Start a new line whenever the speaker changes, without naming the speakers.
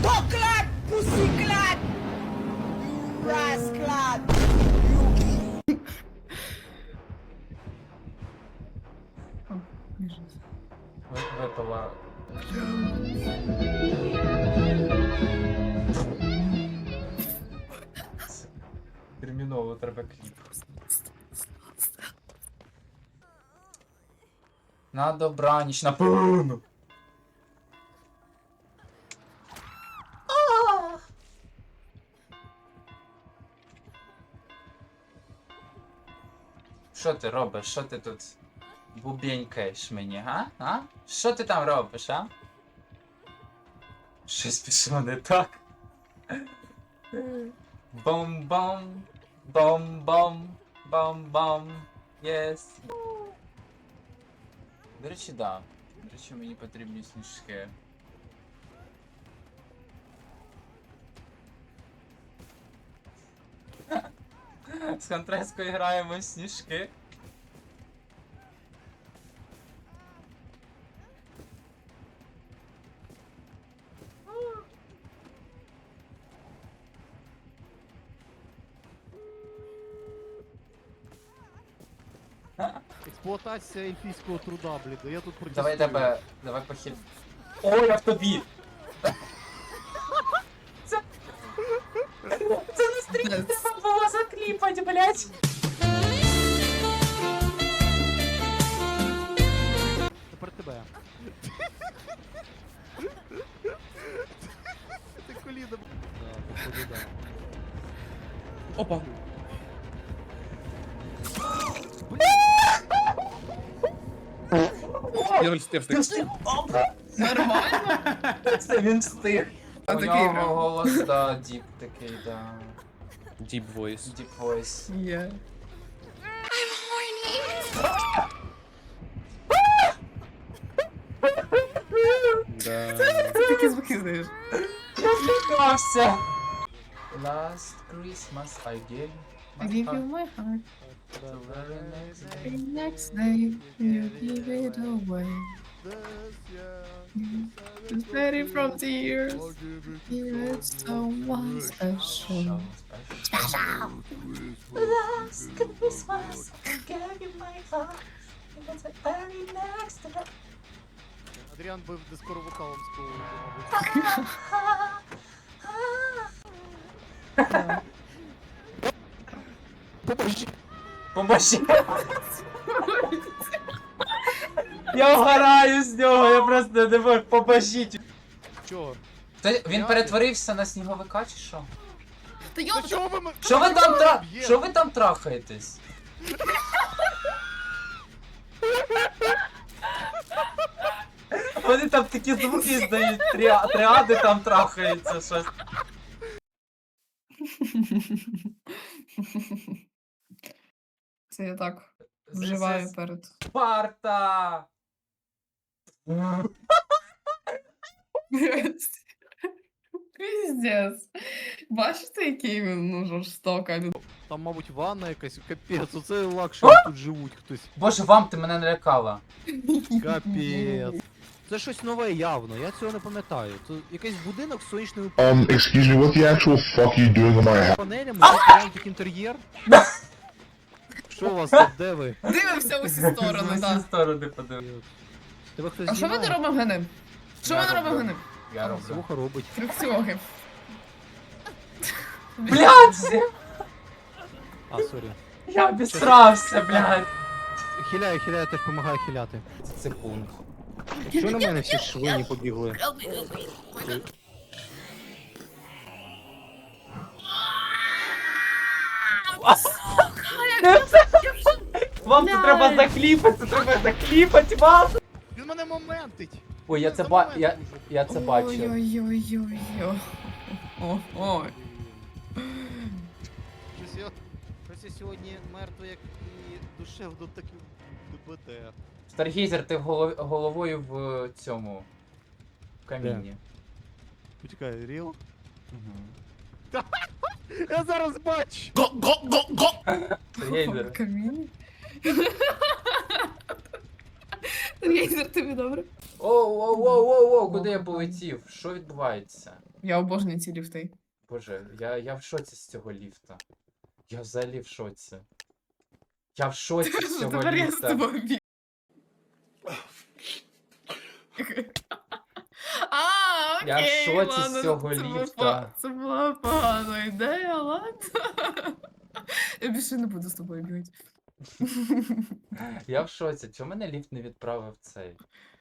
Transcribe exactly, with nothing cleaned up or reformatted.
Cocklat! Pussyclat! Rasclat!
Випала. Терміново треба кліп. На добраніч, напевно. Що ти робиш? Що ти тут бубенькаєш мені, га? А? Що ти там робиш, а? Щось пішло не так. Бом-бом, бом-бом, бом-бом, єс. До речі, да. До речі, мені потрібні сніжки. З Контрескою граємо в сніжки.
Експлуатація ельфійського труда, блін, я тут протестую.
Давай тебе, давай похиль. О, я в тобі! Це... Це на стрімі треба було закліпати, блять!
Тепер тебе. Ти коліна. Да, походу, да.
Опа. Я встиг,
Ти
встиг.
встиг? Опа!
Нормально?
Це він встиг.
А
У
такий
нього
прям.
голос, да, діп такий, да.
Deep voice.
Deep voice.
Є.
Да.
Ти такі звуки знаєш.
Я злякався! Last Christmas I gave
I
my
give you
heart
my heart.
to very next day.
The next day you give it away. It's ready from tears. Give it someone special.
Special. Last Christmas I gave you my heart to the very next day.
Адріан би дискоро вокалом співав, мабуть.
Поможи! Я вгораю з нього, я просто не можу, поможіть!
Чого?
То він перетворився на сніговика чи що?
Та
Та
йоп,
чого ви м-
Що ви там тра...
Б'є?
Що ви там трахаєтесь? Вони там такі звуки здають, тріа- тріади там трахаються, щось.
це я так вживаю перед.
Спарта!
Піздец. Бачите, який він ну, жорстока людина?
Там, мабуть, ванна якась, капець, оце лакшері тут живуть хтось.
Боже, вам ти мене налякала.
Капець. Це щось нове явно, я цього не пам'ятаю. Це якийсь будинок з сонячними
Um, excuse me, what the actual fuck are you doing in my house?
панелями, якийсь як інтер'єр. Що у вас тут, де ви?
Дивимося в усі сторони,
З усі
так.
сторони подивись.
Тебе хтось
А що ми не
знімає?
робимо генем? Що
Я
ми не
роблю.
робимо генем?
Я роблю.
Слуха робить.
Фрикціоги.
Блядь!
А, сорі.
Я обісрався, блядь!
Хиляю, хиляю, теж допомагаю хиляти.
Секунд.
Що на мене всі швині побігли?
Вам це треба закліпати, це треба закліпати вам!
Він мене моментить!
Ой, я це ба... я... я це бачив.
Ой-ой-ой-ой. О, ой.
Щось я, щось я сьогодні мертвий, як і душевно, так і ДБТ.
Старгейзер, ти голов... головою в цьому... в камінні.
Почекай, ріл?
Угу.
Я зараз бачу!
Старгейзер.
В каміні. Гейзер, тобі добре?
Оу, оу, оу, оу, оу, куди я полетів? Що відбувається?
Я обожнюю ці ліфти.
Боже, я, я в шоці з цього ліфта. Я взагалі в шоці. Я в шоці з
Що
цього
тепер я з
ліфта.
тобою б'ю. А, окей,
Я в шоці з
ладно,
цього
це було
ліфта.
по- Це була погана ідея, ладно. Я більше не буду з тобою бігати.
Я в шоці. Чому мене ліфт не відправив цей?